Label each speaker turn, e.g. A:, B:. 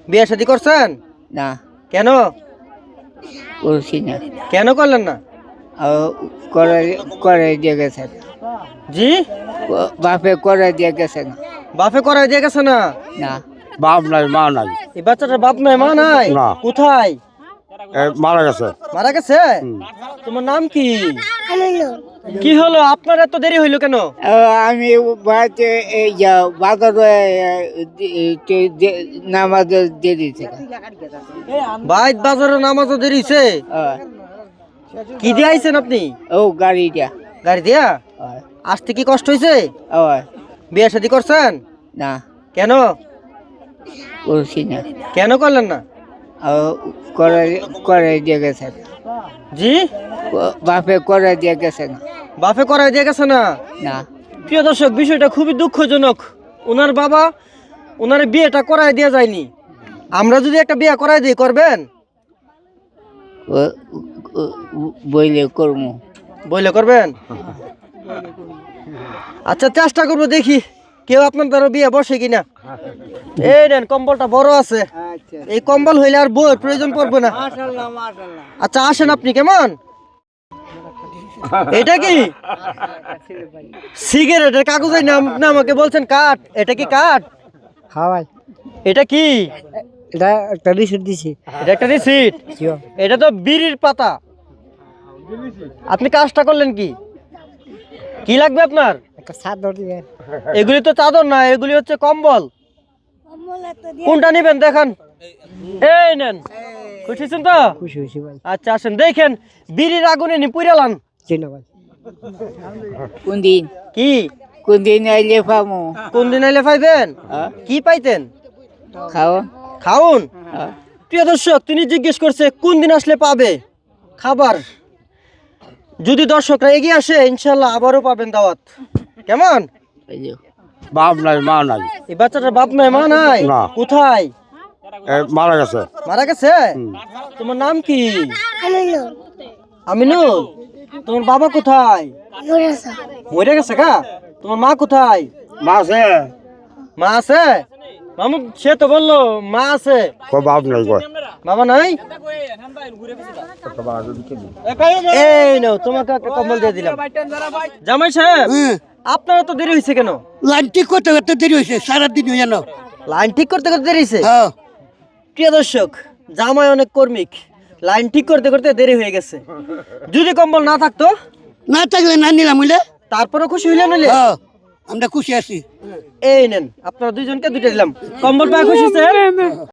A: বিয়ে শাদী করছেন?
B: না
A: কেন
B: করছি না।
A: কেন করলেন না?
B: করে করে দিয়ে গেছে,
A: জি
B: বাপে করে দিয়ে গেছে না।
A: বাপে করাই দিয়ে গেছে না?
B: না
C: বাপ নাই মা নাই
A: এই বাচ্চাটার বাপ নাই মা নাই?
C: না।
A: কোথায়?
C: মারা গেছে।
A: মারা গেছে? তোমার নাম কি? কি হলো আপনার এত দেরি হইলো কেন?
B: আমি বাড়িতে এই যা বাজারে নামাজ দিয়ে দিয়েছে।
A: বাইত বাজারে নামাজও দেরি হইছে? কি দিয়ে আইছেন আপনি?
B: ও গাড়িটা
A: গাড়ি দিয়া? আসতে কি কষ্ট হইছে? বিয়ে শাদী করছেন?
B: না
A: কেন
B: করছি না।
A: কেন করলেন না?
B: করে করে দিয়ে গেছে,
A: জি
B: বাপে করে দিয়ে গেছে না।
A: বাপে করাই দিয়ে গেছে না?
B: না
A: প্রিয় দর্শক, বিষয়টা খুবই দুঃখজনক। ওনার বাবা ওনার বিয়েটা করাই দেওয়া যায়নি। আমরা যদি একটা বিয়ে করাই দিই, করবেন?
B: বইলে করবো।
A: বইলে করবেন? আচ্ছা চেষ্টা করবো, দেখি কেউ আপনার দ্বারা বিয়ে বসে কিনা। এই নেন, কম্বলটা বড় আছে, এই কম্বল হইলে আর বইয়ের প্রয়োজন পড়বে না। আচ্ছা আসেন, আপনি কেমন? এটা কি সিগারেটের কাগজের নাম? আমাকে বলছেন কাঠ, এটা কি কাঠ?
B: হ্যাঁ ভাই,
A: এটা কি?
B: এটা একটা রিসিট দিছি।
A: এটা একটা রিসিট? এটা তো বিড়ির পাতা। আপনি কাজটা করলেন কি? কি লাগবে আপনার?
B: একটা চাদর দিবেন।
A: এগুলি তো চাদর না, এগুলি হচ্ছে কম্বল। কোনটা নিবেন দেখান। এই নেন, খুশি হয়েছেন তো?
B: খুশি হয়েছি ভাই।
A: আচ্ছা আসেন, দেখেন বিড়ির আগুনে নি পুইরালান।
B: চিনা ভাই। কোন দিন
A: কি
B: কোন দিন আইলে পামু?
A: কোন দিন আইলে পাইবেন? কি পাইতেন?
B: খাও
A: খাউন। প্রিয় দর্শক, তিনি জিজ্ঞেস করছে কোন দিন আসলে পাবে খাবার। যদি দর্শকরা এগিয়ে আসে, ইনশাল্লাহ আবারও পাবেন দাওয়াত। কেমন?
C: বাপ নাই মা নাই
A: এই বাচ্চাটার বাপ নাই মা নাই?
C: না।
A: কোথায়?
C: মারা গেছে।
A: মারা গেছে? তোমার নাম কি? আমিনুল। তোমার বাবা কোথায়? মরে গেছে গা? তোমার মা কোথায়?
C: মা আছে।
A: মা আছে? মামু সে তো বললো মা আছে।
C: বাপ নাই কয়।
A: বাবা নাই? এই নাও, তোমাকে একটা কম্বল দিয়ে দিলাম। জামাই সাহেব, আপনারা তো দেরি হয়েছে কেন?
D: লাইন ঠিক করতে করতে দেরি হয়েছে, সারাদিন হয়ে জানো।
A: লাইন ঠিক করতে করতে দেরি হয়েছে?
D: হ্যাঁ
A: প্রিয় দর্শক, জামাই অনেক কর্মিক, লাইন ঠিক করতে করতে দেরি হয়ে গেছে। যদি কম্বল না থাকতো?
D: না থাকলে না নিলাম বুঝলে।
A: তারপরে খুশি হইলেন?
D: হ্যাঁ আমরা খুশি আছি।
A: এই নেন, আপনারা দুইজনকে দুইটা দিলাম কম্বল পায়। খুশি হয়েছে?